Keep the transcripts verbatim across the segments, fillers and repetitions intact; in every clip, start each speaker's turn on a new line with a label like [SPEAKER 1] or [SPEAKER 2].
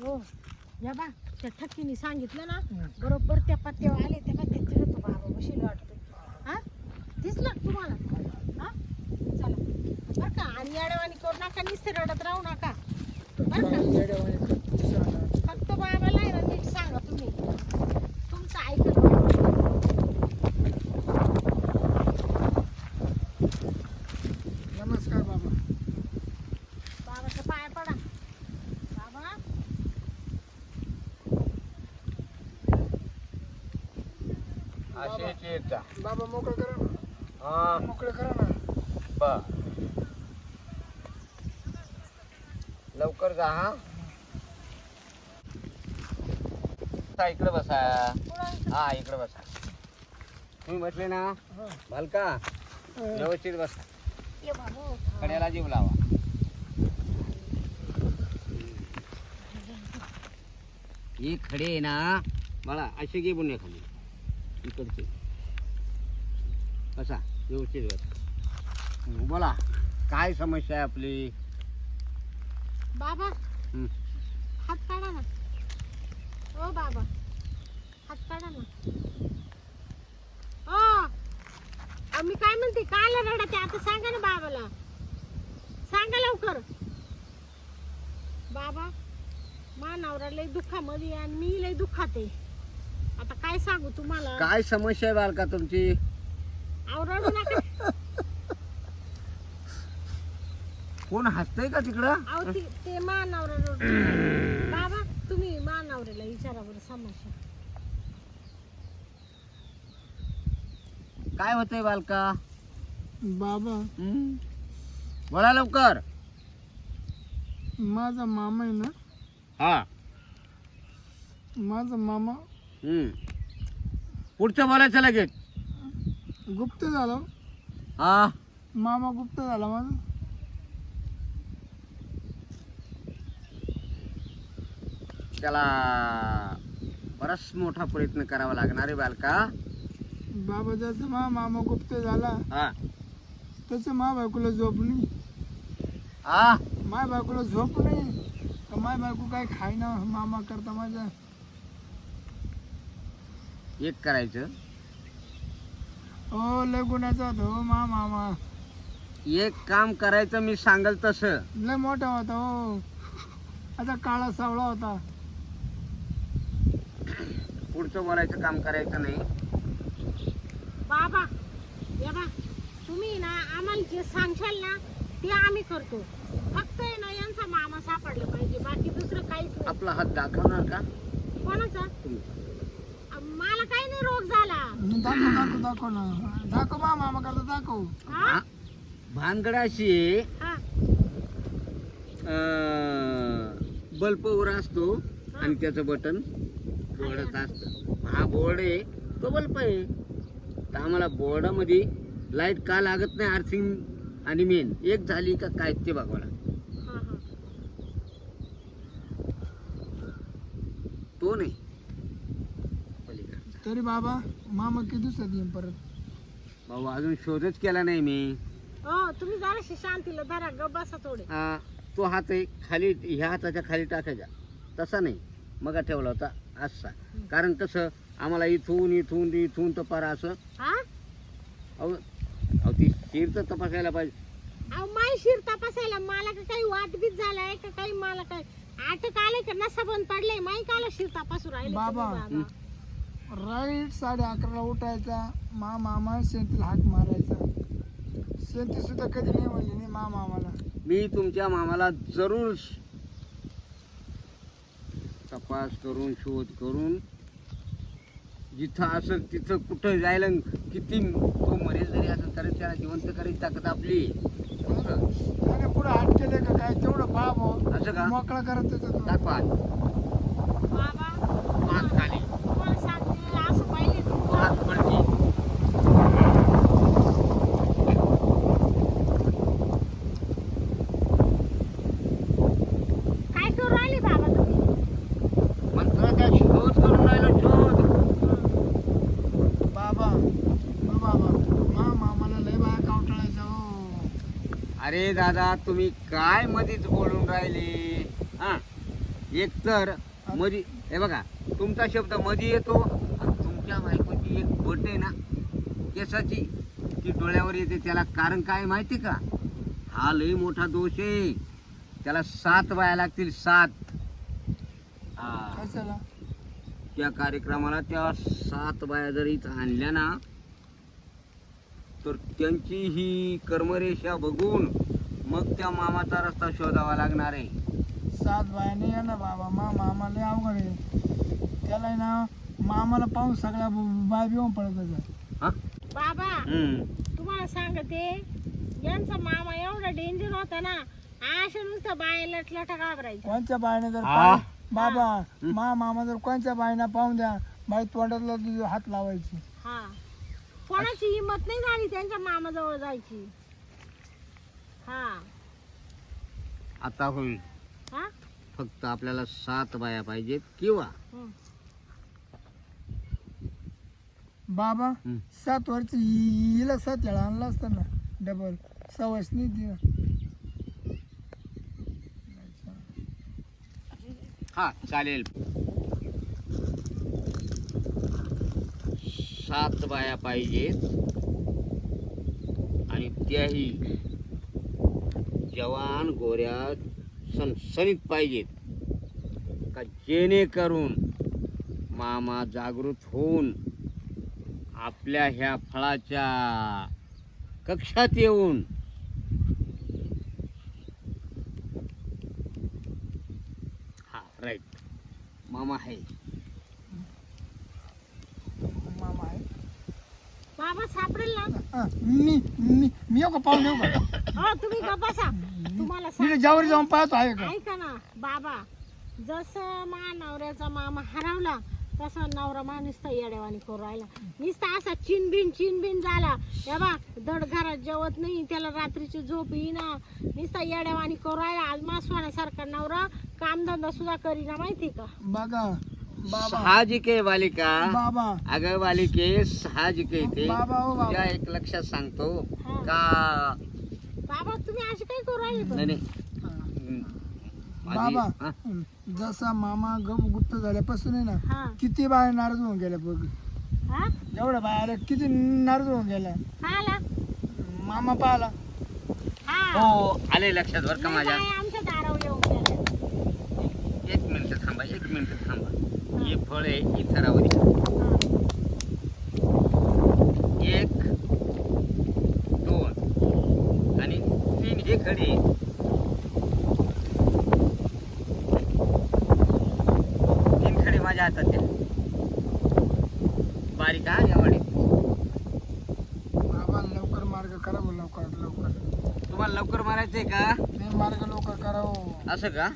[SPEAKER 1] हो या बा त्या ठक्कीने सांगितलं ना बरोबर त्या पत्त्यावर आले त्या पत्त्यात तो बाबा बशील वाटतो हा दिसलं का तुम्हाला हा चला बरं का आणि येड्यावानी करू नका नुसते रडत राहू नका बरं का फक्त बाबाला आहे ना नीट सांगा तुम्ही तुमचं ऐकत
[SPEAKER 2] नमस्कार बाबा.
[SPEAKER 1] बाबाच्या पाया पडा बाबा
[SPEAKER 3] असेच येत जा.
[SPEAKER 2] बाबा मोकळं करा ना.
[SPEAKER 3] हा
[SPEAKER 2] मोकळं करा ना.
[SPEAKER 3] बर लवकर जा हा बसा, इकडे बसा. हा इकडे बसा. तुम्ही बसले ना
[SPEAKER 2] हा.
[SPEAKER 3] बालका व्यवस्थित बसा.
[SPEAKER 1] ये बाबा
[SPEAKER 3] कड्याला जीव लावा. हे खडे आहे ना बाळा असे घे बुने खाली इकडचे बसा व्यवस्थित बसा. बोला काय समस्या आहे आपली.
[SPEAKER 1] बाबा
[SPEAKER 3] हं.
[SPEAKER 1] हात काढा ना ओ बाबा हात काढा ना ओ अहो, मी काय म्हणते काल रडते आता सांगा ना बाबाला सांगा लवकर बाबा मा नवरा लय दुःखामध्ये आहे आणि मी लय दुःखात आहे आता काय सांगू तुम्हाला
[SPEAKER 3] काय समस्या आहे बालका तुमची.
[SPEAKER 1] अहो रडू नका
[SPEAKER 3] कोण हसतंय का तिकडं.
[SPEAKER 1] अहो ती- ते मा नवरा रडू बाबा तुम्ही मा नवऱ्याला विचारा बरं समस्या
[SPEAKER 3] काय होतंय बालका.
[SPEAKER 2] बाबा
[SPEAKER 3] हं? बोला लवकर.
[SPEAKER 2] माझा मामा आहे ना
[SPEAKER 3] हा
[SPEAKER 2] माझा मामा
[SPEAKER 3] हं. पुढचं बोलायचं लगेच.
[SPEAKER 2] गुप्त झाला.
[SPEAKER 3] हा
[SPEAKER 2] मामा गुप्त झाला माझा.
[SPEAKER 3] त्याला बराच मोठा प्रयत्न करावा लागणार आहे बालका.
[SPEAKER 2] बाबा ज्याचा मा मामा गुप्त झाला
[SPEAKER 3] हा
[SPEAKER 2] त्याचं मा बायकोला झोप नाही.
[SPEAKER 3] हा
[SPEAKER 2] माय बायकोला झोप नाही तर माय बायको काय खायना मामा करता माझ्या.
[SPEAKER 3] एक करायचं.
[SPEAKER 2] हो लय गुन्ह्याचा होता हो मा मामा.
[SPEAKER 3] एक काम करायचं मी सांगल तसं.
[SPEAKER 2] लय मोठा होता हो. आता काळा सावळा होता.
[SPEAKER 3] पुढचं बोलायचं काम करायचं नाही.
[SPEAKER 1] बाबा या बा तुम्ही ना आम्हाला जे सांगशाल ना ते आम्ही करतो फक्त आहे ना यांचा मामा सापडला पाहिजे बाकी दुसरं काहीच नाही.
[SPEAKER 3] आपला हात दाखवणार का
[SPEAKER 1] कोणाचा
[SPEAKER 3] तुम्ही.
[SPEAKER 1] अ, मला काही नाही रोग झाला
[SPEAKER 2] दाखव दाखव दाखव ना. दाखव मा मामा करता दाखव.
[SPEAKER 1] हा
[SPEAKER 3] भा- भानगड अशी आहे,
[SPEAKER 1] हा
[SPEAKER 3] अं, बल्ब वर असतो आणि त्याचं बटन बोर्डात असतं. हा बोर्ड आहे तो बल्ब आहे. तर आम्हाला बोर्डामध्ये लाईट का लागत नाही आर्थिंग आणि मेन एक झाली का काय ते बघावं लागतं.
[SPEAKER 1] हा हा
[SPEAKER 3] तो नाही पलीकडचा.
[SPEAKER 2] तरी बाबा मामा किती दिवसात येईन परत.
[SPEAKER 3] भाऊ अजून शोधच केला नाही मी.
[SPEAKER 1] हो तुम्ही जराशी शांतीला धरा ग बसा थोडे
[SPEAKER 3] आ, तो हात आहे खाली ह्या हाताच्या खाली टाकायचा तसा नाही मग ठेवला होता असा. कारण कसं आम्हाला इथून इथून इथून तर पारा असं
[SPEAKER 1] हा
[SPEAKER 3] अहो अहो ती शिर तर तपासायला पाहिजे.
[SPEAKER 1] अहो माय शिर तपासायला मला का काही वाटबीत झालाय का काही मला काय आटक आले का नसा बंद पडले माई काला शिर तपासू राहिले
[SPEAKER 2] बाबा.
[SPEAKER 1] तुम्ही बाबा
[SPEAKER 2] राईट साडे अकराला उठायचा मा मामा शेतीला हाक मारायचा. शेती सुद्धा कधी नाही म्हणली नाही मा मामाला.
[SPEAKER 3] मी तुमच्या मामाला जरूर तपास करून शोध करून जिथं असेल तिथं कुठं जायला किती तो मरेल जरी असेल तरी त्याला जिवंत करायची ताकद आपली. बरोबर?
[SPEAKER 2] त्याने पुढे हात केले का काय तेवढं बाब
[SPEAKER 3] असं का
[SPEAKER 2] मोकळा करत होता तो.
[SPEAKER 3] दाखवा
[SPEAKER 1] बाबा
[SPEAKER 3] हात खाली
[SPEAKER 1] तुम्हाला सांगते असं पाहिले
[SPEAKER 3] तो हात वरती.
[SPEAKER 1] काय करू राहिले बाबा तुम्ही
[SPEAKER 3] मंत्राचा शोध करून राहिलो शोध.
[SPEAKER 2] बाबा ओ बाबा मा मामाला लय बाया कावटाळायचा हो.
[SPEAKER 3] अरे दादा तुम्ही काय मध्येच बोलून राहिले. हा एक तर मधी हे बघा तुमचा शब्द मधी येतो आणि तुमच्या बायकोची एक बोट आहे ना केसाची ती डोळ्यावर येते. त्याला कारण काय माहिती का? हा लई मोठा दोष आहे. त्याला सात बाया लागतील सात. हा.
[SPEAKER 2] कशाला?
[SPEAKER 3] त्या कार्यक्रमाला त्या सात बाया जर इथं आणल्या ना तर त्यांची ही कर्मरेषा बघून मग त्या मामाचा रस्ता शोधावा लागणार आहे.
[SPEAKER 2] सात बायाने या ना बाबा, मा मामा लय अवघड आहे. त्याला आहे ना मामाला पाहून सगळ्या बाय बिवून पडत होत्या.
[SPEAKER 3] हा?
[SPEAKER 1] बाबा
[SPEAKER 3] हम्म.
[SPEAKER 1] तुम्हाला सांगते यांचा मामा एवढा डेंजर होता ना, अशा नुसतं बाया लटलटा घाबरायच्या.
[SPEAKER 2] कोणच्या बायने जर
[SPEAKER 3] हा.
[SPEAKER 2] पाय- बाबा मा मामा जर कोणच्या बायना पाहून द्या, बाई तोंडातला तुझी हात लावायची.
[SPEAKER 1] हा कोणाची हिंमत नाही झाली त्यांच्या मामाजवळ जायची. हा
[SPEAKER 3] आता होईल.
[SPEAKER 1] हा
[SPEAKER 3] फक्त आपल्याला सात बाया पाहिजेत किंवा
[SPEAKER 1] हं.
[SPEAKER 2] बाबा
[SPEAKER 3] हं.
[SPEAKER 2] सात वर्ष हिला सात वेळा आणला असता ना डबल सवस नाही दिला.
[SPEAKER 3] हा चालेल. सात बाया पाहिजेत आणि त्याही जवान गोऱ्या सणसणीत पाहिजेत का जेणेकरून मामा जागृत होऊन आपल्या ह्या फळाच्या कक्षात येऊन हा राईट मामा आहे.
[SPEAKER 2] मामा आहे.
[SPEAKER 1] बाबा सापडेल ना.
[SPEAKER 2] हा, मी मी मी येऊ का पाहून येऊ का?
[SPEAKER 1] हो तुम्ही गप्प बसा. तुम्हाला
[SPEAKER 2] मी
[SPEAKER 1] सांग
[SPEAKER 2] ज्यावर जाऊन पाहतो आहे का?
[SPEAKER 1] ऐका ना बाबा, जसं मा नवऱ्याचा मामा हरवला तसा नवरा मा नुसता येड्यावानी करू राहिला. नुसता असा चिनबिन चिनबिन झाला. या बा दड घरात जेवत नाही, त्याला रात्रीची झोप येईना, नुसता येड्यावानी करू राहिला. आज मा सोन्यासारखा नवरा कामधंदा सुद्धा करीना माहिती का.
[SPEAKER 2] बघा बाबा
[SPEAKER 3] साहजिक आहे बालिका.
[SPEAKER 2] बाबा
[SPEAKER 3] अगं बालिके साहजिक आहे ते.
[SPEAKER 2] बाबा हो बाबा.
[SPEAKER 3] तुझ्या एक लक्षात सांगतो
[SPEAKER 1] हा.
[SPEAKER 3] का
[SPEAKER 1] बाबा तुम्ही असे काय करू राहिले पण?
[SPEAKER 3] नाही नाही
[SPEAKER 2] हा.
[SPEAKER 3] हम्म. माझी-
[SPEAKER 2] बाबा
[SPEAKER 3] हा?
[SPEAKER 2] जसा मामा गप गुप्त झाल्यापासून आहे ना
[SPEAKER 1] हा
[SPEAKER 2] किती बाया नाराज होऊन गेल्या बघ.
[SPEAKER 1] हा
[SPEAKER 2] एवढ्या बाया आल्या किती नाराज होऊन गेल्या.
[SPEAKER 1] काय आला?
[SPEAKER 2] मामा पाहिला.
[SPEAKER 1] हा
[SPEAKER 3] हो आले लक्षात बरं का
[SPEAKER 1] लय
[SPEAKER 3] माझ्या.
[SPEAKER 1] बाया आमच्या दारावर येऊन गेल्या.
[SPEAKER 3] एक मिनिट थांबा एक मिनिट थांबा. हे फळ आहे इथरावरी. एक दोन आणि तीन हे खडे आहेत. तीन खडे माझ्या हातात द्या. बारीक हा एवढे.
[SPEAKER 2] बाबा लवकर मार्ग करा हो, लवकर लवकर.
[SPEAKER 3] तुम्हाला लवकर मारायचंय का?
[SPEAKER 2] नाही मार्ग लवकर करा हो.
[SPEAKER 3] असं का?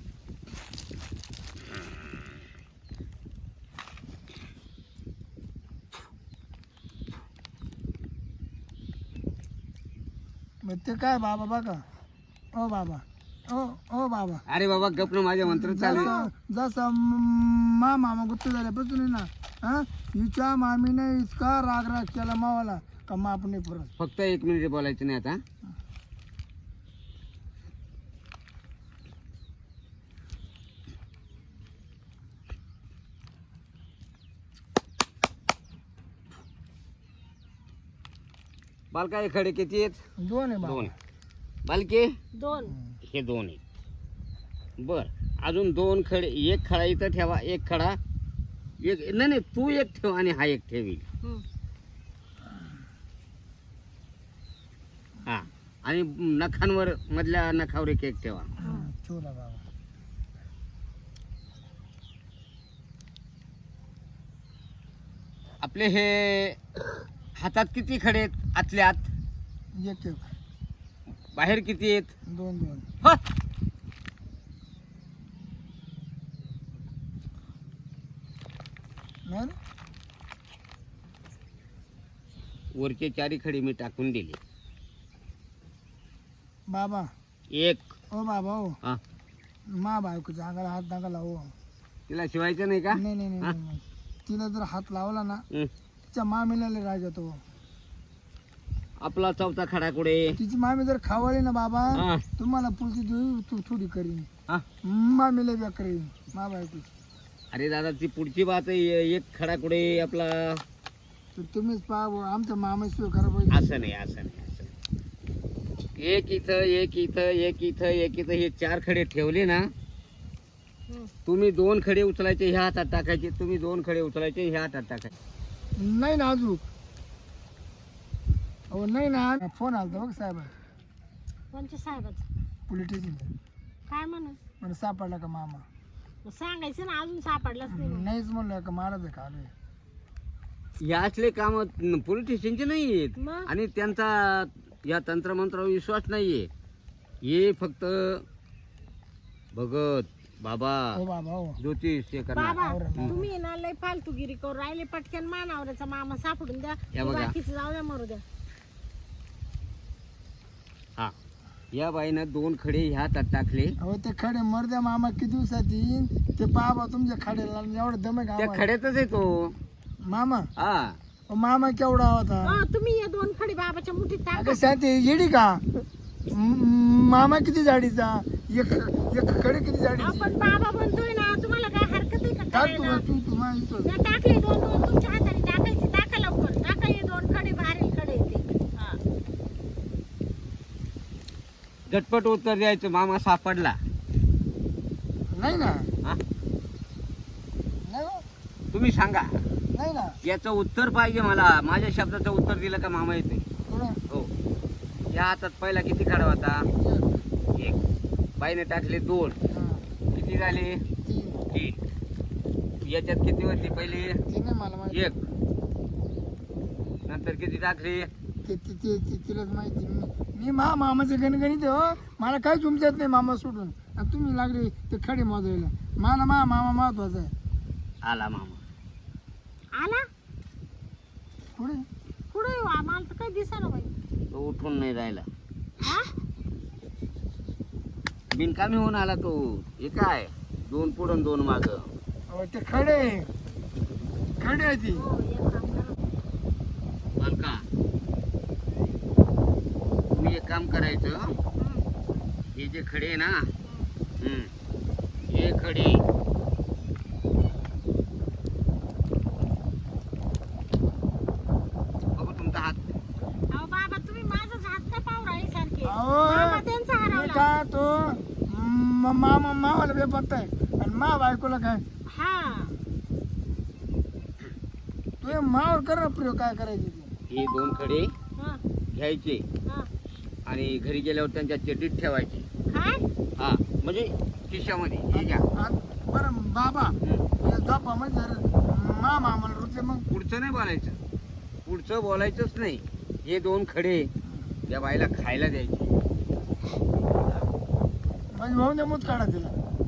[SPEAKER 2] मग ते काय बाबा बघा. ओ बाबा ओ ओ बाबा
[SPEAKER 3] अरे बाबा गप्प माझे मंत्र चालू आहे.
[SPEAKER 2] जसं जसं मा मामा गुप्त झाल्यापासून आहे ना हा हिच्या मामीने इतका राग राग केला मावाला का माप नाही परत.
[SPEAKER 3] फक्त एक मिनिट बोलायचं नाही आता. बालका हे खडे किती आहेत?
[SPEAKER 2] दोन आहे
[SPEAKER 3] दोन.
[SPEAKER 2] बाबा.
[SPEAKER 3] बालके
[SPEAKER 1] दोन.
[SPEAKER 3] हे दोन आहेत. बर अजून दोन खडे. एक खडा इथं ठेवा. एक खडा एक नाही नाही तू एक ठेव आणि हा एक ठेवी.
[SPEAKER 1] हं.
[SPEAKER 3] हा आणि नखांवर मधल्या नखावर एक एक ठेवा.
[SPEAKER 2] हा, ठेवला बाबा.
[SPEAKER 3] आपले हे हातात किती खडे आहेत? आतल्या आत.
[SPEAKER 2] एक एक
[SPEAKER 3] बाहेर किती आहेत?
[SPEAKER 2] दोन दोन.
[SPEAKER 3] ह!
[SPEAKER 2] नाही रे?
[SPEAKER 3] वरचे चारी खडे मी टाकून दिले.
[SPEAKER 2] बाबा
[SPEAKER 3] एक
[SPEAKER 2] ओ बाबा हो
[SPEAKER 3] हा
[SPEAKER 2] मा बायकोच्या अंगाला हात नका लावू.
[SPEAKER 3] तिला शिवायचं नाही का?
[SPEAKER 2] नाही नाही नाही,
[SPEAKER 3] हा?
[SPEAKER 2] नाही नाही. तिला जर हात लावला ना
[SPEAKER 3] हं.
[SPEAKER 2] तिच्या मामीला लय राग येतो.
[SPEAKER 3] आपला चौथा खडा कुठे?
[SPEAKER 2] तिची मामी जर खावळली ना बाबा
[SPEAKER 3] हा
[SPEAKER 2] तुम्हाला पुढची देऊ तू थोडी करीन.
[SPEAKER 3] हा
[SPEAKER 2] मामीला बेकरी मा बायकोची.
[SPEAKER 3] अरे दादा ती पुढची बात आहे. एक खडा कुठे आपला
[SPEAKER 2] तर तुम्हीच पहा बुवा, आमचा मामा सोय करा पाहिजे.
[SPEAKER 3] असं नाही असं नाही असं नाही. एक इथं एक इथं एक इथं एक इथं हे चार खडे ठेवले ना,
[SPEAKER 1] हं.
[SPEAKER 3] तुम्ही दोन खडे उचलायचे ह्या हातात टाकायचे, तुम्ही दोन खडे उचलायचे ह्या हातात टाकायचे.
[SPEAKER 2] नाही ना अजून. हो नाही ना, फोन आलता बघ साहेब
[SPEAKER 1] कोणच्या साहेबाचं?
[SPEAKER 2] Police station.
[SPEAKER 1] काय म्हणून?
[SPEAKER 2] मला सापडला का मामा?
[SPEAKER 1] मग सांगायचं ना, अजून सापडलाच नाही मग.
[SPEAKER 2] नाहीच म्हणलं का महाराज का आलोय.
[SPEAKER 3] या असले काम पोलीस स्टेशनचे नाही आहेत
[SPEAKER 1] मग
[SPEAKER 3] आणि त्यांचा या तंत्रमंत्रावर विश्वास नाहीये. हे फक्त भगत बाबा
[SPEAKER 2] हो बाबा हो.
[SPEAKER 3] ज्योतिष हे करणार.
[SPEAKER 1] बाबा
[SPEAKER 2] आवरा.
[SPEAKER 1] तुम्ही ना लय फालतूगिरी करू राहिले. पटकन मानावऱ्याचा मामा सापडून द्या.
[SPEAKER 3] या बघा.
[SPEAKER 1] बाकीचं जाऊ द्या, मरू द्या.
[SPEAKER 3] हा या बाईनं दोन खडे ह्या हातात टाकले.
[SPEAKER 2] अहो ते खडे मरद्या मामा किती दिवसात येईन ते पहा तुमच्या खड्याला एवढं दमे
[SPEAKER 3] त्या
[SPEAKER 2] गाव
[SPEAKER 3] खड्यातच आहे तो.
[SPEAKER 2] मामा.
[SPEAKER 3] हा
[SPEAKER 2] अहो, मामा केवढा होता?
[SPEAKER 1] अं, तुम्ही हे दोन खडी बाबाच्या मुठीत टाका.
[SPEAKER 2] अगं शांती येडी का? म- मामा किती जाडीचा? एक एक खडे किती जाडीची?
[SPEAKER 1] आपण बाबा म्हणतोय ना, तुम्हाला काय हरकत आहे का
[SPEAKER 2] टाक तू
[SPEAKER 1] करायला?
[SPEAKER 2] तू तू माझी सोय.
[SPEAKER 1] त्या टाकले दोन दोन तुमच्या हाताने टाकायचे. टाका लवकर, टाका. हे दोन खडे भारी खडे येते. हा.
[SPEAKER 3] झटपट उत्तर द्यायचं. मामा सापडला.
[SPEAKER 2] नाही ना.
[SPEAKER 3] हा?
[SPEAKER 2] नाही हो.
[SPEAKER 3] तुम्ही सांगा.
[SPEAKER 2] नाही ना.
[SPEAKER 3] याचं उत्तर पाहिजे मला. माझ्या शब्दाचं उत्तर दिलं का मामा येते.
[SPEAKER 2] थोडं.
[SPEAKER 3] हो. या हातात पहिला किती खडा होता? एक. बाईने टाकले दोन.
[SPEAKER 2] हा.
[SPEAKER 3] किती झाले?
[SPEAKER 2] तीन.
[SPEAKER 3] तीन. याच्यात किती होती पहिली?
[SPEAKER 2] तीन आहे मला माहिती.
[SPEAKER 3] एक. नंतर किती टाकले?
[SPEAKER 2] ते ते- ते- ते- तिलाच माहिती. मी- मी मा मामाचं गणगणित हो. मला काहीच तुमच्यात नाही मामा सोडून. आणि तुम्ही लागले ते खडे मोजायला. मला मा मामा महत्वाचा आहे.
[SPEAKER 3] आला मामा.
[SPEAKER 1] आला
[SPEAKER 2] पुढे
[SPEAKER 1] पुढे येऊ. आम्हाला तर काही दिसेना बाई.
[SPEAKER 3] तो उठून नाही राहिला.
[SPEAKER 1] हा?
[SPEAKER 3] बिनकामी होऊन आला तो. हे काय दोन पुढं दोन माग.
[SPEAKER 2] अहो, ते खडे खडे आहे ती.
[SPEAKER 1] हो, एक काम करा.
[SPEAKER 3] बालका तुम्ही एक काम करायचं. हे जे खडे आहे ना, हम्म, हे खडे बघू तुमचा हात.
[SPEAKER 1] अहो बाबा, तुम्ही माझाच हात का पाहू राहिले सारखे?
[SPEAKER 2] अहो
[SPEAKER 1] मामा त्यांचा हरवला.
[SPEAKER 2] बेटा तो म- मामा मावाला बेपत्ता आहे आणि मा बायकोला काय
[SPEAKER 1] हा.
[SPEAKER 2] तू मावर कर ना प्रयोग काय करायची ते.
[SPEAKER 3] हे दोन खडे
[SPEAKER 1] हा,
[SPEAKER 3] घ्यायचे
[SPEAKER 1] हा.
[SPEAKER 3] आणि घरी गेल्यावर त्यांच्या चेटीत ठेवायचे.
[SPEAKER 1] काय?
[SPEAKER 3] हा म्हणजे खिशामध्ये. हे घ्या.
[SPEAKER 2] आणि बरं बाबा
[SPEAKER 3] हम्म.
[SPEAKER 2] हे झोपा म्हणजे जर मा मामाला रुचले मग
[SPEAKER 3] पुढचं नाही बोलायचं. पुढचं बोलायचंच नाही. हे दोन खडे त्या बाईला खायला द्यायचे.
[SPEAKER 2] म्हणजे भाऊ नमूद काढा तिला.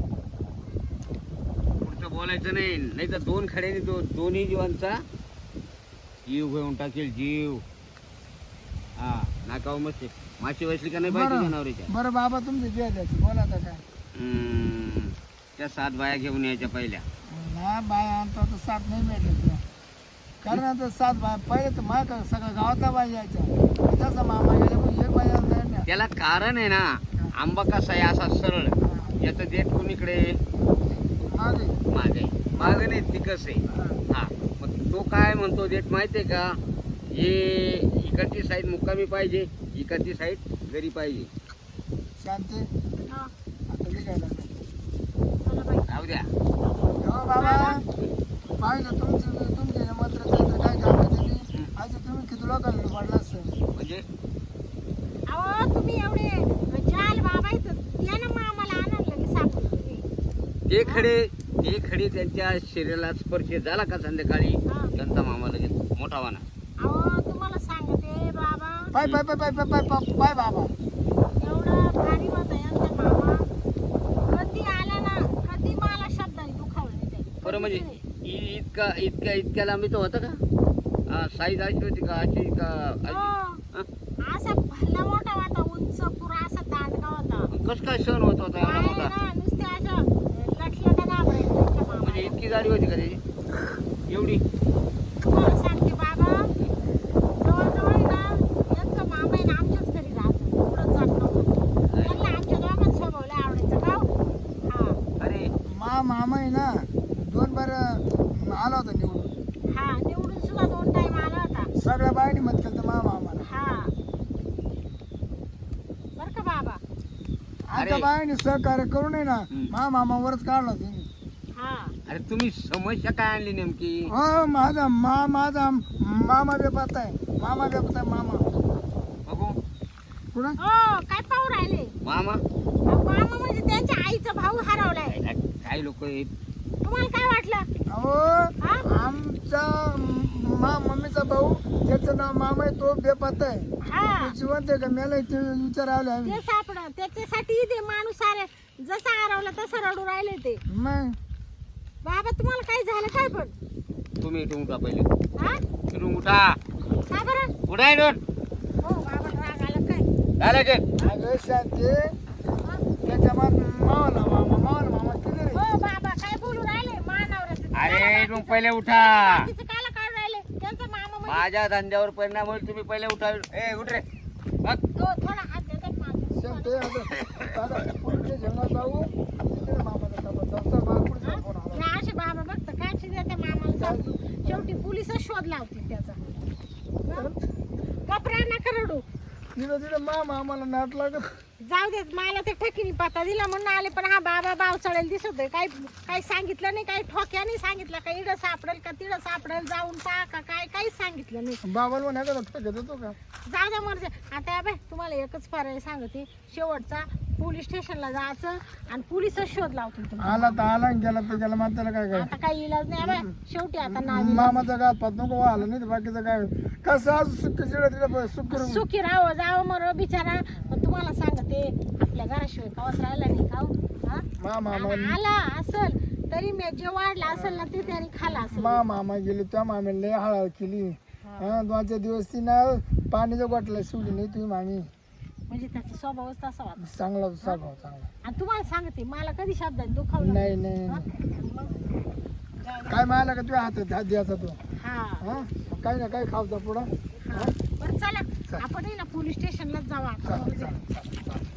[SPEAKER 3] पुढचं बोलायचं नाही. नाही तर दोन खड्याने दो, दोन्ही जीवांचा जीव घेऊन टाकेल. जीव. हा नाकाव मस्त माशी बसली का नाही पाहिजे
[SPEAKER 2] बरं
[SPEAKER 3] जनावरीच्या.
[SPEAKER 2] बरं बाबा तुमचे जे द्यायचे बोला आता काय.
[SPEAKER 3] हम्म, त्या सात बाया घेऊन यायच्या पहिल्या.
[SPEAKER 2] ना बाय आणतो तर सात नाही भेटले तुला. कारण आता सात बाय पहिले तर मा सगळ्या गावातला बाय यायच्या. जसा मामा गेले पण एक बाय आणता येत नाही.
[SPEAKER 3] त्याला कारण आहे ना. आंबा कसा आहे असा सरळ. याचं देठ कोणीकडे
[SPEAKER 2] मागे
[SPEAKER 3] मागे मागे नाही तिकस आहे.
[SPEAKER 2] हा.
[SPEAKER 3] हा मग तो काय म्हणतो देठ माहितीये का? हे इकडची साईड मुक्कामी पाहिजे, इकडची साईड घरी पाहिजे.
[SPEAKER 2] शांती
[SPEAKER 1] हा.
[SPEAKER 2] आता निघायला लागलं.
[SPEAKER 1] चला बाई.
[SPEAKER 3] राहू द्या.
[SPEAKER 2] हो बाबा पाहिलं तुमचं तुमचे मंत्र तंत्र काय घालायचं नाही. आज तुम्ही किती लोकांना पडला असतं.
[SPEAKER 3] म्हणजे
[SPEAKER 1] अहो तुम्ही एवढे जाल बाबा इथं या ना, मग आम्हाला आणायला लगेच सापडून तुम्ही.
[SPEAKER 3] ते खडे ते खडे त्यांच्या शरीराला स्पर्श झाला का संध्याकाळी
[SPEAKER 1] हा.
[SPEAKER 3] त्यांचा मामा लगेच मोठा वाना.
[SPEAKER 1] अहो तुम्हाला सांगते बाबा,
[SPEAKER 2] पाय पाय पाय पाय पाय पाय पाय पाय बाबा.
[SPEAKER 1] एवढा भारी होता यांचा मामा. कधी आला ना, कधी मला शब्दाने दुखावलं नाही त्याने.
[SPEAKER 3] बरं म्हणजे
[SPEAKER 1] कधीच नाही.
[SPEAKER 3] इ- इतका इतक्या इतक्या लांबीचं होतं का? हा, साईज अशी होती का? अशी का अशी?
[SPEAKER 1] हो.
[SPEAKER 3] हा?
[SPEAKER 1] असा भला मोठा होता, उंच पुरा असा दांडगा होता.
[SPEAKER 3] कसं काय सण होत होता एवढा
[SPEAKER 1] पाय
[SPEAKER 3] मोठा?
[SPEAKER 1] ना नुसते अशा लटलटा घाबरायचं त्यांच्या
[SPEAKER 3] म्हणजे
[SPEAKER 1] मामाला.
[SPEAKER 3] इतकी जाडी होती का त्याची? एवढी?
[SPEAKER 1] तुम्हाला सांगते बाबा, जवळजवळ आहे ना यांचा मामा आहे ना आमच्याच घरी राहतो. पुढं जात नव्हता. त्यांना आमच्या दोघांना स्वभाव लय आवडायचा. का हो?
[SPEAKER 2] दोन बार आला होता निवडून.
[SPEAKER 1] हा निवडून सुद्धा दोन टाइम आला होता.
[SPEAKER 2] सगळ्या बायांनी मत केलं तर मामा आम्हाला.
[SPEAKER 1] हा बर का बाबा.
[SPEAKER 2] आता बायांनी सहकार्य करू नये ना,
[SPEAKER 3] हम्म.
[SPEAKER 2] मा मामावरच काढला त्यांनी.
[SPEAKER 1] हा
[SPEAKER 3] अरे तुम्ही समस्या काय आणली नेमकी?
[SPEAKER 2] हो माझा मा माझा मामा बेपात आहे, मामा बेपात आहे मामा.
[SPEAKER 3] बघू
[SPEAKER 2] कुणा
[SPEAKER 1] हो काय पाहू राहिले?
[SPEAKER 3] मामा.
[SPEAKER 1] अहो, मामा म्हणजे त्यांच्या आईचा भाऊ हरवलाय.
[SPEAKER 3] काही लोक
[SPEAKER 1] तुम्हाला काय वाटलं?
[SPEAKER 2] अहो
[SPEAKER 1] हा
[SPEAKER 2] आमचा मा मम्मीचा भाऊ त्याचं नाव मामा आहे, तो बेपात आहे.
[SPEAKER 1] हा
[SPEAKER 2] तो जिवंत आहे का मेला ते विचार आले आम्ही.
[SPEAKER 1] ते सापड त्याच्यासाठी ते माणूस सारे जसा हरवला तसं रडू राहिले ते.
[SPEAKER 2] मग
[SPEAKER 1] बाबा तुम्हाला काय झालं काय पण?
[SPEAKER 3] तुम्ही इथून उठा पहिले.
[SPEAKER 1] हा
[SPEAKER 3] इथून उठा.
[SPEAKER 1] का बरं?
[SPEAKER 3] उठा इथून.
[SPEAKER 1] हो बाबा राग आला काय?
[SPEAKER 3] झालं ते.
[SPEAKER 2] अगं शांती
[SPEAKER 1] हा?
[SPEAKER 2] त्याच्या मा मावाला मामा मावाला मामा किती रे.
[SPEAKER 1] हो बाबा काय बोलू राहिले मानावर?
[SPEAKER 3] अरे इथून पहिले उठा.
[SPEAKER 1] कायला काढ राहिले? त्यांचा मामा म्हणजे
[SPEAKER 3] माझ्या धंद्यावर परिणाम होईल. तुम्ही पहिले उठा. ए उठ रे. बघ.
[SPEAKER 1] तो थोडा हात देतात माझ्या.
[SPEAKER 2] शांती आता दादा पुढच्या जेवणात जाऊ तिकडे मामाचा डबा जाऊ. चल, मला पुढचा फोन आला.
[SPEAKER 1] हे असे बाबा बघता काय शिद्या त्या मामाला सांगतो. शेवटी पोलिसच शोध लावतील त्याचा. कपरा नका रडू.
[SPEAKER 2] तिथं तिथं मामा आम्हाला नाट लागत.
[SPEAKER 1] जाऊ देत मला ते ठकीनी पत्ता दिला म्हणून आले, पण हा बाबा बाव चढेल दिसतोय. काही काही सांगितलं नाही, काही ठोक्याने सांगितलं का इडं सापडेल का तिडं सापडेल जाऊन पहा का काय काहीच सांगितलं नाही.
[SPEAKER 2] बाबाला म्हणायचं ठोक्यात येतो का.
[SPEAKER 1] जाऊ द्या मर्जी. आता बाय तुम्हाला एकच पर्याय सांगते शेवटचा, पोलीस स्टेशनला जायचं आणि पोलिसच शोध लावतील तुम्हाला.
[SPEAKER 2] आला तर आला आणि गेला तर गेला, मग त्याला काय काय.
[SPEAKER 1] आता काही इलाज नाही बाय. शेवटी आता नावी
[SPEAKER 2] मामाचा गात पात नको आला नाही तर बाकीचं काय कसं आज सुख चिडा तिला सुख करून.
[SPEAKER 1] सुखी राहावं जावं मर बिचारा. पण तुम्हाला सांगते आपल्या घराशिवाय कावच राहिला नाही का हो? हा?
[SPEAKER 2] मा मामा
[SPEAKER 1] आणि आला असल तरी मी जे वाढला असेल ना ते त्याने खाला असेल.
[SPEAKER 2] मा मामा गेली त्या मामीला लय हळद केली. हा दोन चार दिवस ती ना पाणीच्या गोटला शिवली नाही तुम्ही मामी.
[SPEAKER 1] म्हणजे त्याचा स्वभावच तसा होता.
[SPEAKER 2] चांगला स्वभाव चांगला.
[SPEAKER 1] आणि तुम्हाला सांगते मला कधी शब्दात दुखावलं
[SPEAKER 2] नाही नाही
[SPEAKER 1] हा?
[SPEAKER 2] नाही.
[SPEAKER 1] मग
[SPEAKER 2] काय मायला का तुझ्या हातात हात द्यायचा तू.
[SPEAKER 1] हा
[SPEAKER 2] हा काही ना काही खावता पुढं.
[SPEAKER 1] हा. बरं चला आपण आहे ना पोलीस स्टेशनलाच जाऊ आता.
[SPEAKER 2] चालेल चालेल चालेल.